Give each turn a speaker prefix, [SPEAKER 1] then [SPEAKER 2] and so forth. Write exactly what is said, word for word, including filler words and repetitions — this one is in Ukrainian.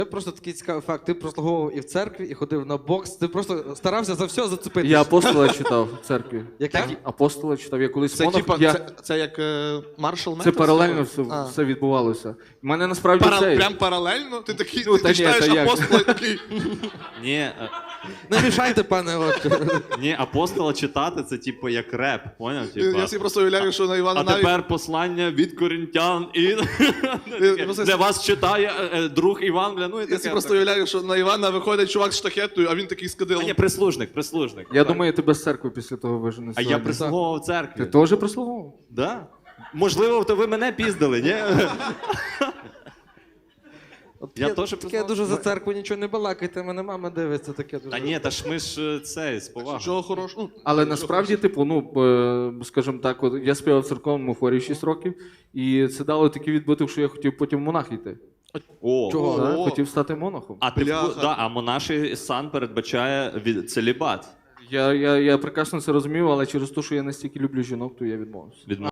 [SPEAKER 1] Просто такий цікавий факт. Ти прослуговував і в церкві, і ходив на бокс. Ти просто старався за все зацепитися.
[SPEAKER 2] Я апостола читав в церкві.
[SPEAKER 1] Яке?
[SPEAKER 2] Апостола читав. Я колись
[SPEAKER 3] Це,
[SPEAKER 2] монах,
[SPEAKER 3] типа,
[SPEAKER 2] я...
[SPEAKER 3] це, це як е, маршал
[SPEAKER 2] Це
[SPEAKER 3] метод?
[SPEAKER 2] паралельно все,
[SPEAKER 3] А.
[SPEAKER 2] все відбувалося. У мене насправді
[SPEAKER 3] Пара...
[SPEAKER 2] цей...
[SPEAKER 3] Прям паралельно? Ти такий,
[SPEAKER 2] Ну,
[SPEAKER 3] ти,
[SPEAKER 2] та
[SPEAKER 3] ти
[SPEAKER 2] ні,
[SPEAKER 3] читаєш
[SPEAKER 2] та як?
[SPEAKER 3] апостола і такий...
[SPEAKER 4] Ні, е,
[SPEAKER 1] Не мішайте, пане Отче.
[SPEAKER 4] ні, апостола читати це типу як реп, поняв?
[SPEAKER 3] Я,
[SPEAKER 4] Типа,
[SPEAKER 3] я собі просто уявляю, що на Івана
[SPEAKER 4] а
[SPEAKER 3] навіть...
[SPEAKER 4] тепер послання від коринтян і
[SPEAKER 3] Я просто-
[SPEAKER 4] для вас читає е, е, друг Іван, бля, ну і
[SPEAKER 3] Я
[SPEAKER 4] таке.
[SPEAKER 3] собі просто уявляю, що на Івана виходить чувак з штахетою, а він такий з
[SPEAKER 4] А
[SPEAKER 3] кадилом.
[SPEAKER 4] ні, прислужник, прислужник.
[SPEAKER 2] Я
[SPEAKER 4] Так.
[SPEAKER 2] думаю, тебе з церкви після того вижене.
[SPEAKER 4] А я прислуговував в церкві.
[SPEAKER 2] Ти теж прислуговував?
[SPEAKER 4] Да? Можливо, то ви мене піздили, ні?
[SPEAKER 1] От
[SPEAKER 4] Я
[SPEAKER 1] таке-
[SPEAKER 4] теж
[SPEAKER 1] таке
[SPEAKER 4] признав.
[SPEAKER 1] дуже за церкву нічого не балакайте, мене мама дивиться, таке дуже.
[SPEAKER 4] Та ні, та ж ми ж е, це, з повагою.
[SPEAKER 3] Чого хорошого? Ну,
[SPEAKER 2] Але
[SPEAKER 3] що
[SPEAKER 2] насправді, типу, ну, е, скажімо так, от я співав в церковному хорі шість років, і це дало такий відбиток, що я хотів потім в монах йти.
[SPEAKER 4] О,
[SPEAKER 1] Чого?
[SPEAKER 2] Так,
[SPEAKER 3] О.
[SPEAKER 2] хотів стати монахом.
[SPEAKER 4] А ти
[SPEAKER 3] Бляха.
[SPEAKER 4] да, а монаший сан передбачає від целібат.
[SPEAKER 2] Я, я, я прекрасно це розумів, але через те, що я настільки люблю жінок, то я відмовився.
[SPEAKER 4] Від